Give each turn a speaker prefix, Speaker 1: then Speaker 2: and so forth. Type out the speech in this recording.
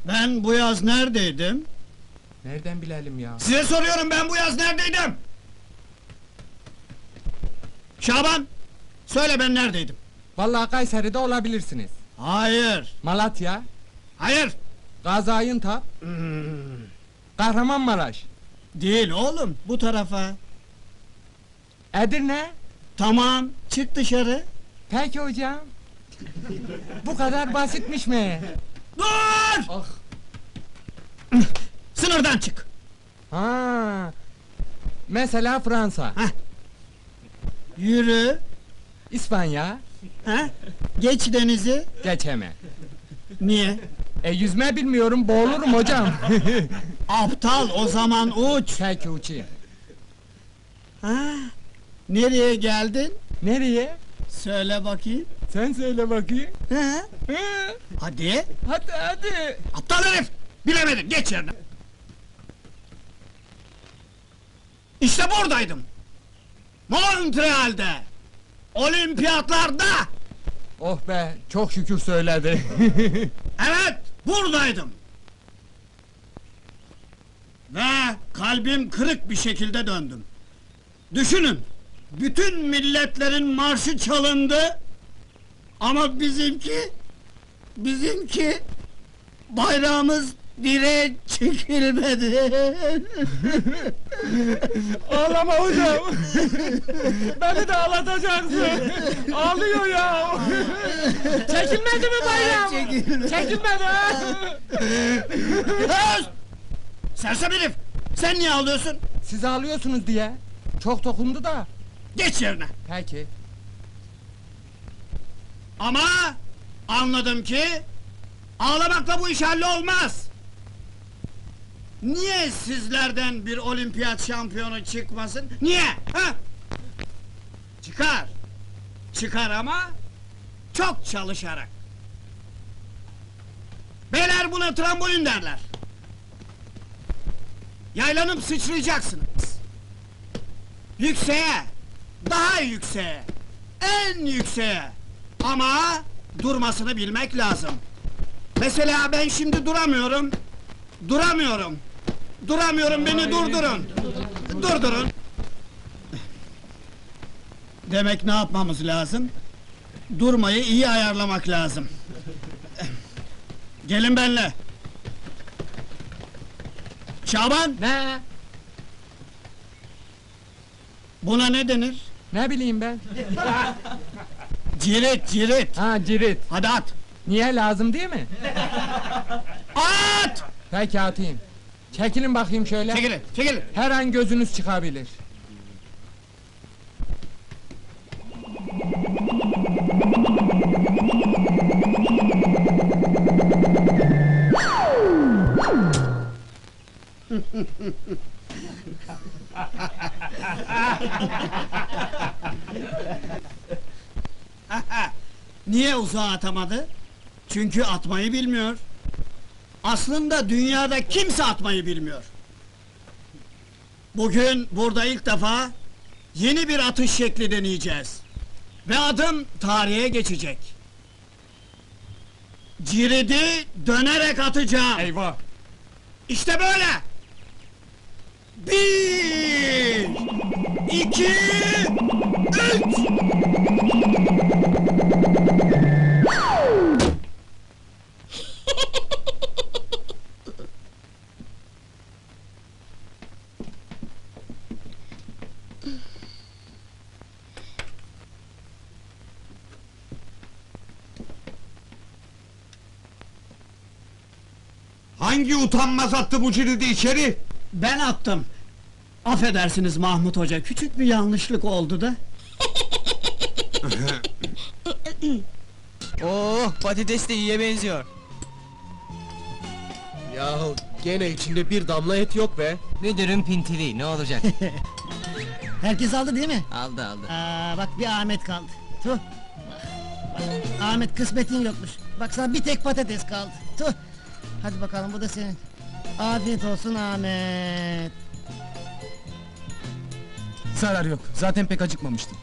Speaker 1: Ben bu yaz neredeydim?
Speaker 2: Nereden bilelim ya?
Speaker 1: Size soruyorum, ben bu yaz neredeydim? Şaban! Söyle, ben neredeydim?
Speaker 2: Vallahi Kayseri'de olabilirsiniz.
Speaker 1: Hayır!
Speaker 2: Malatya,
Speaker 1: Hayır!
Speaker 2: Gaziantep, Kahramanmaraş,
Speaker 1: Değil oğlum, bu tarafa.
Speaker 2: Edirne.
Speaker 1: Tamam, çık dışarı.
Speaker 2: Peki hocam. Bu kadar basitmiş mi?
Speaker 1: Dur!
Speaker 2: Ah.
Speaker 1: Sınırdan çık!
Speaker 2: Ha. Mesela Fransa,
Speaker 1: Yürü!
Speaker 2: İspanya,
Speaker 1: Ha? Geç denizi!
Speaker 2: geçeme.
Speaker 1: Niye?
Speaker 2: Yüzme bilmiyorum, boğulurum hocam.
Speaker 1: Aptal, o zaman uç!
Speaker 2: Peki uçayım.
Speaker 1: Ha? Nereye geldin?
Speaker 2: Nereye?
Speaker 1: Söyle bakayım.
Speaker 2: Sen söyle bakayım.
Speaker 1: Ha?
Speaker 2: Ha.
Speaker 1: Hadi!
Speaker 2: Hadi.
Speaker 1: Aptal herif! Bilemedin, geç yerine! İşte buradaydım! Montreal'de! Olimpiyatlarda!
Speaker 2: Oh be, çok şükür söyledi.
Speaker 1: Evet, buradaydım! Ve kalbim kırık bir şekilde döndüm. Düşünün, bütün milletlerin marşı çalındı, ama bizimki, bayrağımız direğe çekilmedi.
Speaker 2: Ağlama hocam! Beni de ağlatacaksın! Ağlıyor ya! Çekilmedi mi bayram? Çekilmedi ha!
Speaker 1: Öz! Sersem herif! Sen niye ağlıyorsun?
Speaker 2: Siz ağlıyorsunuz diye. Çok dokundu da.
Speaker 1: Geç yerine!
Speaker 2: Peki.
Speaker 1: Ama anladım ki ağlamakla bu iş hallolmaz. Niye sizlerden bir olimpiyat şampiyonu çıkmasın? Niye? Ha? Çıkar. Çıkar ama çok çalışarak. Beyler buna trambolin derler. Yaylanıp sıçrayacaksınız. Yükseğe, daha yükseğe, en yükseğe. Ama durmasını bilmek lazım. Mesela ben şimdi duramıyorum. Duramıyorum, beni durdurun. Durdurun. Demek ne yapmamız lazım? Durmayı iyi ayarlamak lazım. Gelin benimle. Şaban,
Speaker 2: Ne?
Speaker 1: buna ne denir?
Speaker 2: Ne bileyim ben?
Speaker 1: Cirit.
Speaker 2: Ha, cirit.
Speaker 1: Hadi at.
Speaker 2: Niye, lazım değil mi?
Speaker 1: At!
Speaker 2: Peki atayım. Çekilin bakayım şöyle.
Speaker 1: Çekilin.
Speaker 2: Her an gözünüz çıkabilir.
Speaker 1: Niye uzağa atamadı? Çünkü atmayı bilmiyor. Aslında dünyada kimse atmayı bilmiyor. Bugün burada ilk defa yeni bir atış şekli deneyeceğiz. Ve adım tarihe geçecek. Ciridi dönerek atacağım.
Speaker 2: Eyvah!
Speaker 1: İşte böyle! 1, 2, 3!
Speaker 3: Hangi utanmaz attı bu ciridi içeri?
Speaker 1: Ben attım. Affedersiniz Mahmut Hoca, küçük bir yanlışlık oldu da.
Speaker 4: Oh, patates de iyiye benziyor.
Speaker 5: Yahu gene içinde bir damla et yok be.
Speaker 4: Müdürün pintili, ne olacak?
Speaker 6: Herkes aldı değil mi?
Speaker 4: aldı.
Speaker 6: Bak bir Ahmet kaldı. Tuh. Bak, Ahmet kısmetin yokmuş. Bak sana bir tek patates kaldı. Tuh. Hadi bakalım bu da senin. Afiyet olsun Ahmet.
Speaker 7: Zarar yok. Zaten pek acıkmamıştım.